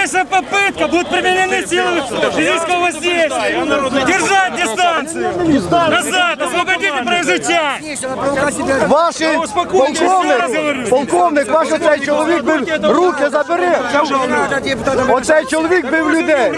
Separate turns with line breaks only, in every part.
малейшая попытка, будут применены силы физического воздействия. Держать дистанцию. Назад, освободите проезжую часть.
Ваші, полковник, ваш оцей чоловік бив, руки забери. Оцей чоловік бив людей.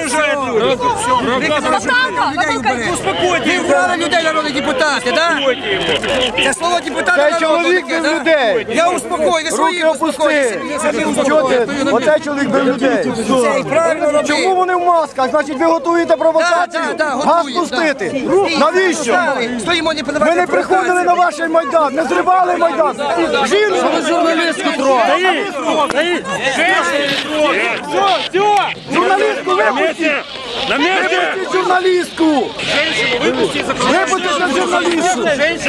Ви вбрали людей, народні депутати, так? Це слово депутата.
Цей чоловік бив людей.
Я успокою, ви свої
опусти. Оцей чоловік бив людей. Чому вони в масках? Значить, ви готуєте провокацію? Газ пустити. Навіщо? Ми не приходили на ваш Майдан, не зривали Майдан. Жінку журналістку трогали.
Все,
Журналістку випустіть! Випустіть журналістку! Випустіть на журналістку!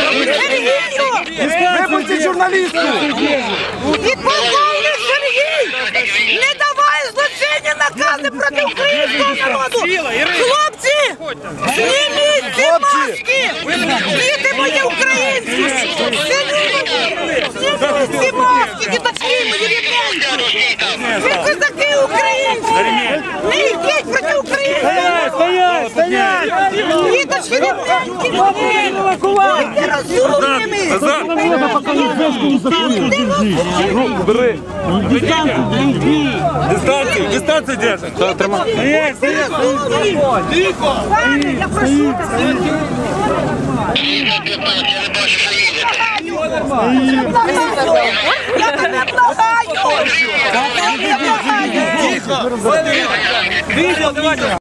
Випустіть журналістку!
Підполковник Сергій не давай злочинні накази проти українського народу! Хлопці, зніміть ці маски! Діти мої українські! Зніміть ці маски, діточки мої рідненькі! Ви козаки українські! Не йдіть проти українців!
стоять!
Діточки рідненькі! Будьте розумними!
Дистанцию держим. Стоять!
Пане, я прошу тебе! Я тебе благаю!
Видео, давайте!